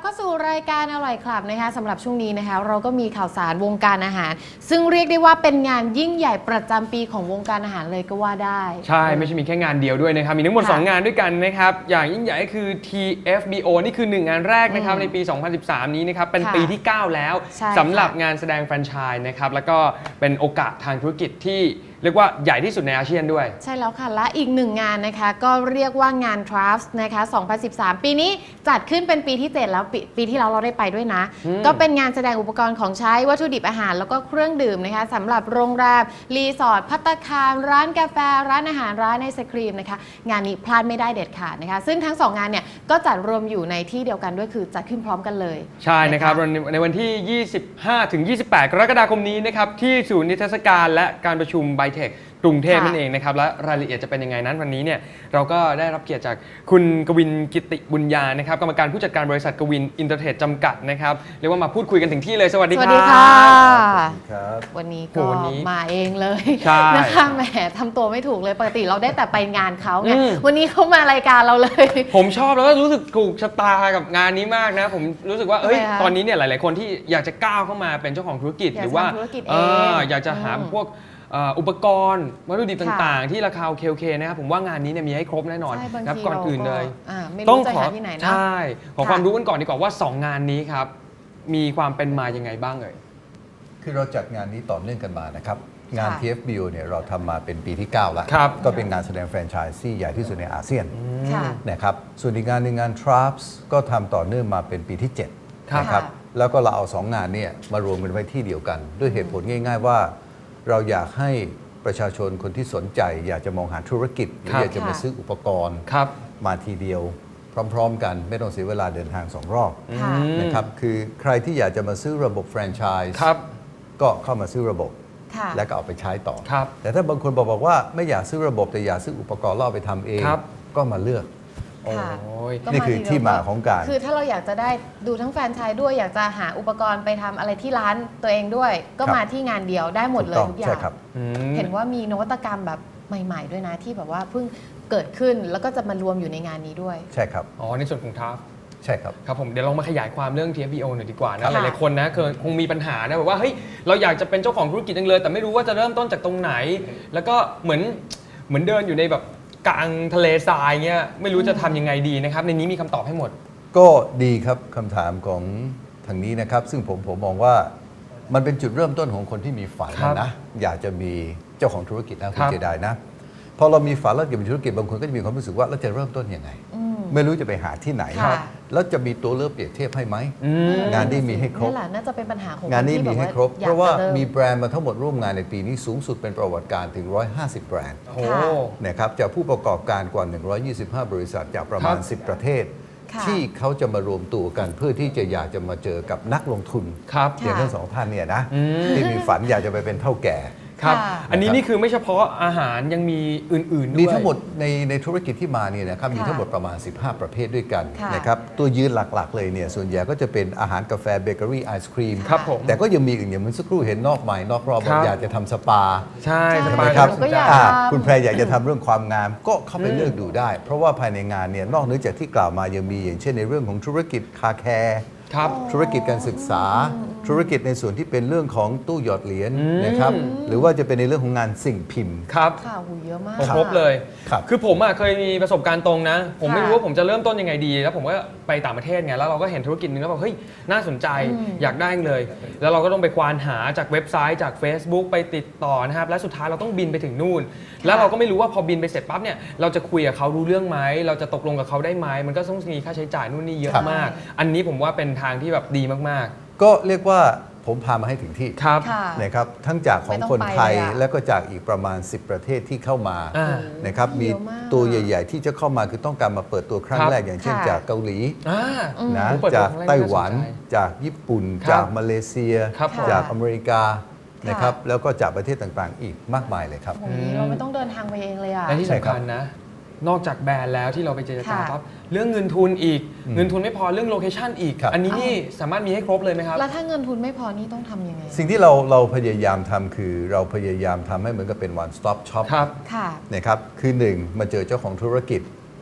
เข้าสู่รายการอร่อยคลับนะคะสำหรับช่วงนี้นะคะเราก็มีข่าวสารวงการอาหารซึ่งเรียกได้ว่าเป็นงานยิ่งใหญ่ประจำปีของวงการอาหารเลยก็ว่าได้ใช่ไม่ใช่มีแค่งานเดียวด้วยนะครับมีทั้งหมด2งานด้วยกันนะครับอย่างยิ่งใหญ่ก็คือ TFBO นี่คือ1งานแรกนะครับในปี 2013 นี้นะครับเป็นปีที่ 9 แล้วสำหรับงานแสดงแฟรนไชส์นะครับแล้วก็เป็นโอกาสทางธุรกิจที่เรียกว่าใหญ่ที่สุดในอาเซียนด้วยใช่แล้วค่ะและอีก1งานนะคะก็เรียกว่างาน Crafts นะคะ 2013 ปีนี้จัดขึ้นเป็นปีที่ 7 แล้วปีที่แล้วเราได้ไปด้วยนะก็เป็นงานแสดงอุปกรณ์ของใช้วัตถุดิบอาหารแล้วก็เครื่องดื่มนะคะสำหรับโรงแรมรีสอร์ทภัตตาคารร้านกาแฟร้านอาหารร้านไอศครีมนะคะงานนี้พลาดไม่ได้เด็ดขาดนะคะซึ่งทั้ง2งานเนี่ยก็จัดรวมอยู่ในที่เดียวกันด้วยคือจัดขึ้นพร้อมกันเลยใช่นะครับในวันที่ 25-28 กรกฎาคมนี้นะครับที่ศูนย์นิทรรศการและการประชุมไบเทคกรุงเทพนั่นเองนะครับและรายละเอียดจะเป็นยังไงนั้นวันนี้เนี่ยเราก็ได้รับเกียรติจากคุณกวินกิติบุญญานะครับกรรมการผู้จัดการบริษัทกวินอินเตอร์เทรดจำกัดนะครับเรียกว่ามาพูดคุยกันถึงที่เลยสวัสดีครับสวัสดีค่ะวันนี้ก็มาเองเลยนะคะแหมทำตัวไม่ถูกเลยปกติเราได้แต่ไปงานเขาไงวันนี้เขามารายการเราเลยผมชอบแล้วก็รู้สึกถูกชะตากับงานนี้มากนะผมรู้สึกว่าตอนนี้เนี่ยหลายๆคนที่อยากจะก้าวเข้ามาเป็นเจ้าของธุรกิจหรือว่าอยากจะหาพวกอุปกรณ์วัตถุดิบต่างๆที่ราคาโอเคนะครับผมว่างานนี้เนี่ยมีให้ครบแน่นอนครับก่อนอื่นเลยต้องขอที่ไหนนะใช่ขอความรู้กันก่อนดีกว่าว่า2งานนี้ครับมีความเป็นมายังไงบ้างเอ่ยคือเราจัดงานนี้ต่อเนื่องกันมานะครับงาน TFBO เนี่ยเราทำมาเป็นปีที่ 9 แล้วก็เป็นงานแสดงแฟรนไชส์ที่ใหญ่ที่สุดในอาเซียนนะครับส่วนอีกงานหนึ่งงาน Traps ก็ทำต่อเนื่องมาเป็นปีที่7นะครับแล้วก็เราเอา2งานเนี่ยมารวมกันไว้ที่เดียวกันด้วยเหตุผลง่ายๆว่าเราอยากให้ประชาชนคนที่สนใจอยากจะมองหาธุรกิจหรืออยากจะมาซื้ออุปกรณ์มาทีเดียวพร้อมๆกันไม่ต้องเสียเวลาเดินทาง2 รอบนะครับคือใครที่อยากจะมาซื้อระบบแฟรนไชส์ก็เข้ามาซื้อระบบแล้วก็เอาไปใช้ต่อแต่ถ้าบางคนบอกว่าไม่อยากซื้อระบบแต่อยากซื้ออุปกรณ์แล้วเอาไปทำเองก็มาเลือกนี่คือที่มาของการคือถ้าเราอยากจะได้ดูทั้งแฟรนไชส์ด้วยอยากจะหาอุปกรณ์ไปทำอะไรที่ร้านตัวเองด้วยก็มาที่งานเดียวได้หมดเลยทุกอย่างเห็นว่ามีนวัตกรรมแบบใหม่ๆด้วยนะที่แบบว่าเพิ่งเกิดขึ้นแล้วก็จะมารวมอยู่ในงานนี้ด้วยใช่ครับในส่วนของทัฟใช่ครับครับผมเดี๋ยวลองมาขยายความเรื่อง TFBO หน่อยดีกว่านะหลายๆคนนะคงมีปัญหานะแบบว่าเฮ้ยเราอยากจะเป็นเจ้าของธุรกิจจังเลยแต่ไม่รู้ว่าจะเริ่มต้นจากตรงไหนแล้วก็เหมือนเดินอยู่ในแบบกลางทะเลทรายเงี้ยไม่รู้จะทำยังไงดีนะครับในนี้มีคำตอบให้หมดก็ดีครับคำถามของทางนี้นะครับซึ่งผมมองว่ามันเป็นจุดเริ่มต้นของคนที่มีฝันนะอยากจะมีเจ้าของธุรกิจนะคุณเจไดนะพอเรามีฝันแล้วเกี่ยวกับธุรกิจบางคนก็จะมีความรู้สึกว่าเราจะเริ่มต้นยังไงไม่รู้จะไปหาที่ไหนแล้วจะมีตัวเลือกเปรียบเทียบให้ไหมงานนี้มีให้ครบน่าจะเป็นปัญหาของงานนี้มีให้ครบเพราะว่ามีแบรนด์มาทั้งหมดร่วมงานในปีนี้สูงสุดเป็นประวัติการถึง150แบรนด์นะครับจากผู้ประกอบการกว่า125บริษัทจากประมาณ10ประเทศที่เขาจะมารวมตัวกันเพื่อที่จะอยากจะมาเจอกับนักลงทุนอย่างทั้ง2ท่านเนี่ยนะที่มีฝันอยากจะไปเป็นเท่าแก่ครับอันนี้นี่คือไม่เฉพาะอาหารยังมีอื่นๆด้วยมีทั้งหมดในธุรกิจที่มาเนี่ยนะครับมีทั้งหมดประมาณ15ประเภทด้วยกันนะครับตัวยืนหลักๆเลยเนี่ยส่วนใหญ่ก็จะเป็นอาหารกาแฟเบเกอรี่ไอศครีมแต่ก็ยังมีอื่นอย่างเมื่อสักครู่เห็นนอกไม้นอกรอบอยากจะทำสปาใช่สปาครับคุณแพรอยากจะทำเรื่องความงามก็เข้าไปเลือกดูได้เพราะว่าภายในงานเนี่ยนอกเหนือจากที่กล่าวมายังมีอย่างเช่นในเรื่องของธุรกิจคาแคร์ธุรกิจการศึกษาธุรกิจในส่วนที่เป็นเรื่องของตู้หยอดเหรียญนะครับหรือว่าจะเป็นในเรื่องของงานสิ่งพิมพ์ครับข่าวเยอะมากครบเลยคือผมเคยมีประสบการณ์ตรงนะผมไม่รู้ว่าผมจะเริ่มต้นยังไงดีแล้วผมก็ไปต่างประเทศไงแล้วเราก็เห็นธุรกิจนึงแล้วแบบเฮ้ยน่าสนใจอยากได้เลยแล้วเราก็ต้องไปควานหาจากเว็บไซต์จาก Facebook ไปติดต่อนะครับและสุดท้ายเราต้องบินไปถึงนู่นแล้วเราก็ไม่รู้ว่าพอบินไปเสร็จปั๊บเนี่ยเราจะคุยกับเขารู้เรื่องไหมเราจะตกลงกับเขาได้ไหมมันก็ต้องมีค่าใช้จ่ายนู่นนี่เยอะมากอันนี้ผมว่าเป็นทางที่แบบดีมากๆก็เรียกว่าผมพามาให้ถึงที่นะครับทั้งจากของคนไทยและก็จากอีกประมาณ10ประเทศที่เข้ามานะครับมีตัวใหญ่ๆที่จะเข้ามาคือต้องการมาเปิดตัวครั้งแรกอย่างเช่นจากเกาหลีนะจากไต้หวันจากญี่ปุ่นจากมาเลเซียจากอเมริกานะครับแล้วก็จากประเทศต่างๆอีกมากมายเลยครับเราไม่ต้องเดินทางไปเองเลยอ่ะและที่สำคัญนะนอกจากแบรนด์แล้วที่เราไปเจรจาปั๊บเรื่องเงินทุนอีกเงินทุนไม่พอเรื่องโลเคชั่นอีกอันนี้นี่สามารถมีให้ครบเลยไหมครับแล้วถ้าเงินทุนไม่พอนี่ต้องทำยังไงสิ่งที่เราพยายามทำคือเราพยายามทำให้เหมือนกับเป็น one stop shop นะครับคือ1มาเจอเจ้าของธุรกิจ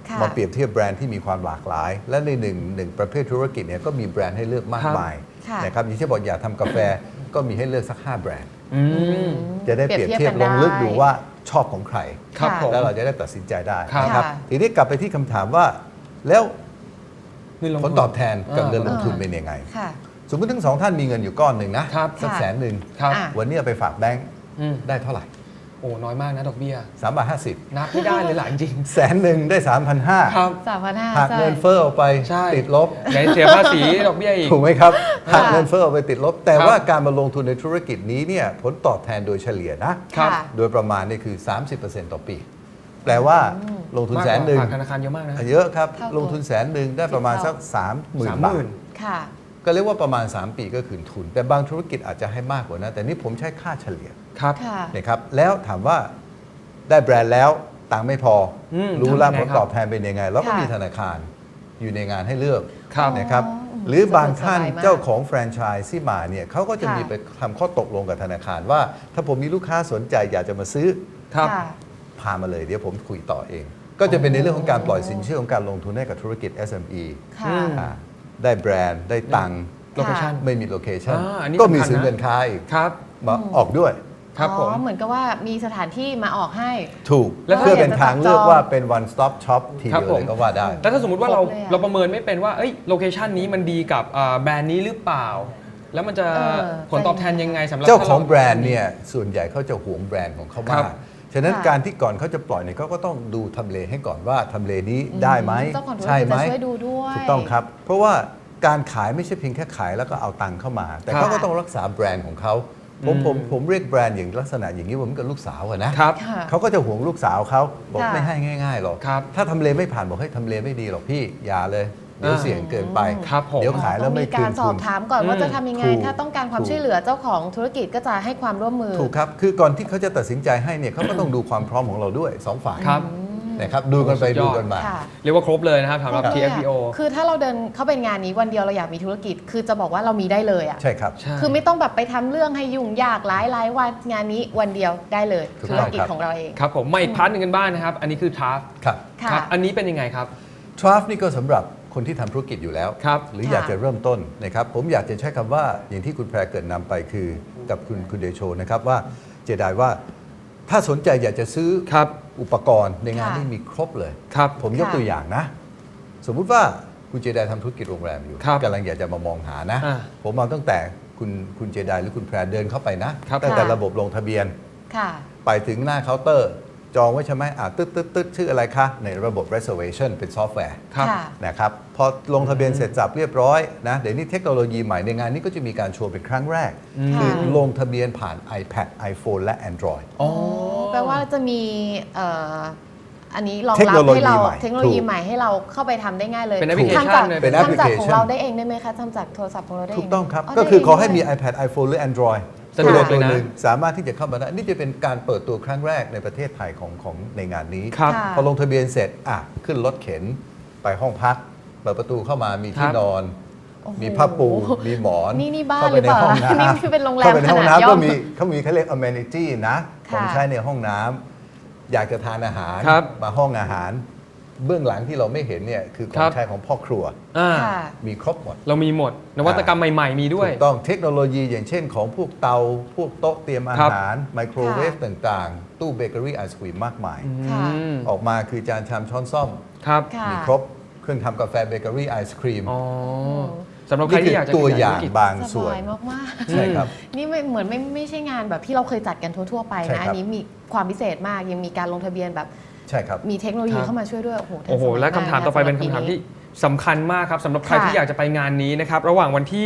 ค่ะมาเปรียบเทียบแบรนด์ที่มีความหลากหลาย และในหนึ่งประเภทธุรกิจเนี่ยก็มีแบรนด์ให้เลือกมากมายค่ะนะครับอย่างที่บอกอยากทำกาแฟก็มีให้เลือกสัก 5 แบรนด์อืมจะได้เปรียบเทียบกันลงลึกได้ดูว่าชอบของใครครับผมแล้วเราจะได้ตัดสินใจได้ครับนะครับค่ะทีนี้กลับไปที่คำถามว่าแล้วเงินลงผทุลนตอบแทนกับเงินลงทุนอ่าเป็นยังไงค่ะสมมติทั้งสองท่านมีเงินอยู่ก้อนหนึ่งนะครับสักค่ะ 100,000 ครับอ่ะวันนี้เอาไปฝากแบงค์อืมได้เท่าไหร่โอ้น้อยมากนะดอกเบี้ย 3.50 นับไม่ได้เลยหลายจริง 100,000ได้ 3,500 ครับ 3,500 หักเงินเฟ้อออกไปใช่ติดลบไหนเสียภาษีดอกเบี้ยอีกถูกไหมครับหักเงินเฟ้อออกไปติดลบ แต่ครับว่าการมาลงทุนในธุรกิจนี้เนี่ยผลตอบแทนโดยเฉลี่ยนะครับค่ะโดยประมาณนี่คือ 30%ต่อปี แปลว่าลงทุนมากแสกนว่าหนึ่งฝากธนาคารเยอะมากนะเยอะครับเท่าตัวลงทุนแสนหนึ่งได้ประมาณสัก 30,000 บาทค่ะก็เรียกว่าประมาณ 3 ปีก็คืนทุน แต่บางธุรกิจอาจจะให้มากกว่านั้นแต่นี่ผมใช้ค่าเฉลี่ยครับค่ะนะครับแล้วถามว่าได้แบรนด์แล้วตังค์ไม่พออมรู้แล้วทำยังผไงลครับตอบแทนเป็นยังไง แล้วก็ค่ะมีธนาคารอยู่ในงานให้เลือกครับนะครับอ๋อหรือบางท่านสบายมากเจ้าของแฟรนไชส์ที่มาเนี่ยเขาก็จะค่ะมีไปทำข้อตกลงกับธนาคารว่า ถ้าผมมีลูกค้าสนใจอยากจะมาซื้อครับค่ะพามาเลยเดี๋ยวผมคุยต่อเอง ก็จะเป็นในเรื่องของการปล่อยสินเชื่อของการลงทุนให้กับธุรกิจ SME ค่ะอืมอ่าได้แบรนด์ได้ตังค์โลเคชั่นไม่มีโลเคชั่นอันนี้ก็มีสำคัญสินนะเงินค้าอีกครับมาออกด้วยครับผมอ๋อเหมือนกับว่ามีสถานที่มาออกให้ถูกแล้วเพื่อเป็นทางเลือกจองว่าเป็น one stop shop ทีครับเดียวผเลมยก็ว่าได้แล้วถ้าสมมติว่าเราครบเลยอะเราประเมินไม่เป็นว่าเอ้ยโลเคชันนี้มันดีกับแบรนด์นี้หรือเปล่า แล้วมันจะเออผลตอบแทนยังไงสำหรับเจ้าของถ้แบรนด์เนี่ยส่วนใหญ่เขาจะหวงแบรนด์ของเขาครัมากบฉะนั้นค่ะการที่ก่อนเขาจะปล่อยเนี่ยเขาก็ต้องดูทำเลให้ก่อนว่าทำเลนี้ได้ไหมเจ้าของธุรใช่กิจไหมจะช่วยดูด้วยถูกต้องครับ เพราะว่าการขายไม่ใช่เพียงแค่ขายแล้วก็เอาตังค์เข้ามา แต่ครับเขาก็ต้องรักษาแบรนด์ของเขาผมเรียกแบรนด์อย่างลักษณะอย่างนี้ผมกับลูกสาวอะนะครับค่ะเขาก็จะห่วงลูกสาวเขาบอกค่ะไม่ให้ง่ายๆหรอกครับถ้าทำเลไม่ผ่านบอกให้ยทำเลไม่ดีหรอกพี่อย่าเลย เดี๋ยวเสี่ยงเกินไปครับผมเดี๋ยวขายแล้วไม่ต้องมีคืกาน รสทุอบนถามก่อนว่าอืมจะทำยังไงถูกถ้าต้องการความถูกช่วยเหลือเจ้าของธุรกิจก็จะให้ความร่วมมือถูกครับ คือก่อนที่เขาจะตัดสินใจให้เนี่ยเขาก็ต้องดูความพร้อมของเราด้วยสองฝ่ายครับนะครับดูกันไปสุดยอดดูกันมาค่ะเรียกว่าครบเลยนะครับสำหรับครบเลยอะ TFBO คือถ้าเราเดินเข้าไปงานนี้วันเดียวเราอยากมีธุรกิจ คือจะบอกว่าเรามีได้เลยอ่ะใช่ครับใช่คือไม่ต้องแบบไปทำเรื่องให้ยุ่งยากหลายวันงานนี้วันเดียวได้เลยถูกธุต้รองกิจครับของเราเองครับผมมาอีกพาร์ทหนึ่งกันบ้างนะครับ อันนี้คือทราฟครับค่ะอันนี้เป็นยังไงครับทราฟนี่ก็สำหรับคนที่ทำธุรกิจอยู่แล้วครับหรือค่ะอยากจะเริ่มต้นนะครับผมอยากจะใช้คำว่าอย่างที่คุณแพรเกิดนำไปคือกับคุณเดโชนะครับว่าเจไดว่าถ้าสนใจอยากจะซื้อครับอุปกรณ์ในงานค่ะนี้มีครบเลยครับผมยกค่ะตัวอย่างนะ สมมุติว่าคุณเจไดทำธุรกิจโรงแรมอยู่ครับกำลังอยากจะมามองหานะอ่าผมเอาตั้งแต่คุณเจไดหรือคุณแพรเดินเข้าไปนะครับตั้งแต่ค่ะระบบลงทะเบียนค่ะไปถึงหน้าเคาน์เตอร์ จองไว้ใช่ไหมตึ๊ดชื่ออะไรคะ ในระบบ reservation เป็นซอฟต์แวร์ครับค่ะนะครับพอลงทะเบียนเสร็จสับเรียบร้อยนะเดี๋ยวนี้เทคโนโลยีใหม่ในงานนี้ก็จะมีการโชว์เป็นครั้งแรก คือลงทะเบียนผ่าน iPad iPhone และ Android อ๋อแปลว่าจะมีอันนี้รองเทคโนรับโลยีให้เราใหม่เทคโนโลยีถูกใหม่ให้เราเข้าไปทำได้ง่ายเลยเป็นแอปพลิเคชันทำจากเลยเป็นแอปพลิทำจากเคชันของเราได้เองได้ไหมคะทำจากโทรศัพท์ของเราได้เองถูกต้องครับได้ก็คือเงขอให้มีด้วย iPad iPhone หรือ Android สะดวกเลยนะตัวหงสามารถที่จะเข้ามาได้ นี่จะเป็นการเปิดตัวครั้งแรกในประเทศไทยของในงานนี้ครับค่ะพอลงทะเบียนเสร็จขึ้นรถเข็นไปห้องพัก เปิดประตูเข้ามามีที่ครับนอนโอ้โหมีผ้าปู มีหมอนนี่บ้านเข้าไปในห้องหรือเปล่าน้ำนี่คือเป็นโรงแรมเข้าไปในห้องขนาดย่น้ำอก็มเขามีเขาเรียก amenity นะของค่ะใช้ในห้องน้ำอยากจะทานอาหารครับมาห้องอาหาร เบื้องหลังที่เราไม่เห็นเนี่ยคือขอครังบใช้ของพ่อครัวอ่าค่ะมีครบหมดเรามีหมด นวัตกรรมใหม่ ๆ มีด้วยถูกต้องเทคโนโลยีอย่างเช่นของพวกเตา พวกโต๊ะเตรียมอาครับหาร ไมโครเวฟค่ะต่างๆ ตู้เบเกอรี่ไอศครีมมากมายค่ะอืมออกมาคือจานชามช้อนซ่อมครับค่ะมีครบเครื่องทำกาแฟเบเกอรี่ไอศครีมอ๋อสำหรับใครนี่คืที่อยากจะตัวขอย่างธุรกิจบางส่วนสบายมากๆใช่ครับนี่ไม่เหมือนไม่ใช่งานแบบที่เราเคยจัดกันทั่ว ๆ ไปใช่นะครับอันนี้มีความพิเศษมาก ยังมีการลงทะเบียนแบบใช่ครับมีเทคโนโลยีครับเข้ามาช่วยด้วย โอ้โหทันโอ้โหสมัยและคำถามต่อไปกเป็นคำถามที่สำคัญมากครับสำหรับใครค่ะที่อยากจะไปงานนี้นะครับ ระหว่างวันที่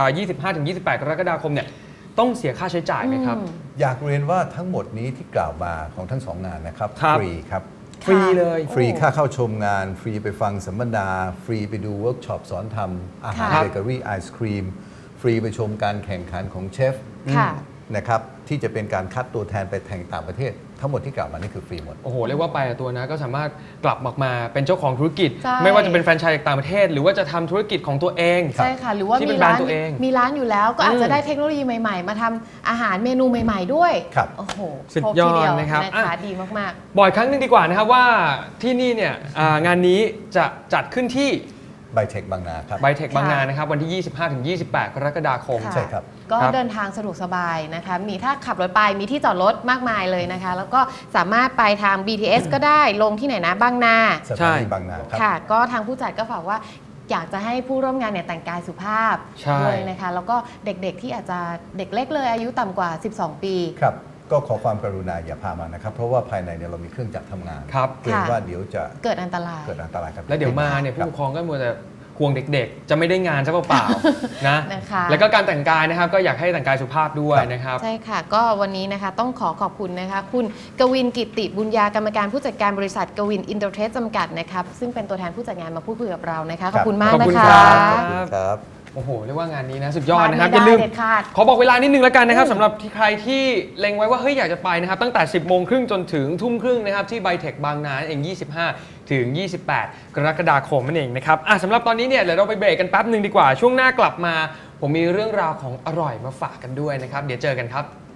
25-28 กรกฎาคมเนี่ยต้องเสียค่าใช้จ่ายไหมครับอืมอยากเรียนว่าทั้งหมดนี้ที่กล่าวมาของทั้งสองงานนะครับครับฟรีครับฟรีเลยฟรีค่าเข้าชมงาน ฟรีไปฟังสัมมนา ฟรีไปดูเวิร์กช็อปสอนทำอาหารค่ะเบเกอรี่ไอศครีม ฟรีไปชมการแข่งขันของเชฟค่ะนะครับที่จะเป็นการคัดตัวแทนไปแข่งต่างประเทศ ทั้งหมดที่กล่าวมานี่คือฟรีหมดโอ้โหเรียกว่าไปตัวนะก็สามารถกลับมาเป็นเจ้าของธุรกิจใช่ไม่ว่าจะเป็นแฟรนไชส์จากต่างประเทศ หรือว่าจะทำธุรกิจของตัวเองใช่ค่ะ หรือว่าที่เป็มีนแบรร้าน นด์ตัวเองมีร้านอยู่แล้วก็อาจจะได้เทคโนโลยีใหม่ๆ มาทำอาหารเมนูใหม่ๆด้วยครับโอ้โหสุดครบยอทีดเดียวนะครับอ่ะดีมากบอกอีกครั้งหนึงดีกว่านะครับว่าที่นี่เนี่ยงานนี้จะจัดขึ้นที่ไบเทคบางนาครับไบเทคบางนานะครับวันที่ 25-28 กรกฎาคมค่ะใช่ครับก็ครับเดินทางสะดวกสบายนะคะมีถ้าขับรถไปมีที่จอดรถมากมายเลยนะคะ แล้วก็สามารถไปทาง BTS ก็ได้ลงที่ไหนนะบางนาสถานีบางนาครับค่ะ ก็ทางผู้จัดก็ฝากว่าอยากจะให้ผู้ร่วมงานเนี่ยแต่งกายสุภาพใช่ด้วยนะคะ แล้วก็เด็กๆที่อาจจะเด็กเล็กเลยอายุต่ำกว่า 12 ปีครับ ก็ขอความกรุณาอย่าพามานะครับ เพราะว่าภายในเนี่ยเรามีเครื่องจักรทำงานครับเกรงว่าเดี๋ยวจะเกิดอันตรายเกิดอันตรายครับแล้วเดี๋ยวมาเนี่ยคผู้รับปกครองก็มัวแต่ห่วงเด็กๆ จะไม่ได้งานซะเปล่าๆ นะนะคะแล้วก็การแต่งกายนะครับก็อยากให้แต่งกายสุภาพด้วยนะครับใช่ค่ะ ก็วันนี้นะคะต้องขอบคุณนะคะ คุณกวินกิตติบุญญากรรมการผู้จัดการบริษัทกวินอินเตอร์เทรดจำกัดนะครับซึ่งเป็นตัวแทนผู้จัดงานมาพูดคุยกับเรานะคะ ขอบคุณมากขอบนะคุณคะครับขอบคุณครับโอ้โหเรียกว่างานนี้นะสุดยอดนะครับพลาดไม่อย่าลืมได้เด็ดขาดขอบอกเวลานิดนึงแล้วกันนะครับสำหรับใครที่เล็งไว้ว่าเฮ้ยอยากจะไปนะครับตั้งแต่ 10 โมงครึ่งจนถึงทุ่มครึ่งนะครับที่ไบเทคบางนาเอง 25 ถึง 28 กรกฎาคมนั่นเองนะครับสำหรับตอนนี้เนี่ยเดี๋ยวเราไปเบรกกันแป๊บหนึ่งดีกว่าช่วงหน้ากลับมา ผมมีเรื่องราวของอร่อยมาฝากกันด้วยนะครับเดี๋ยวเจอกันครับ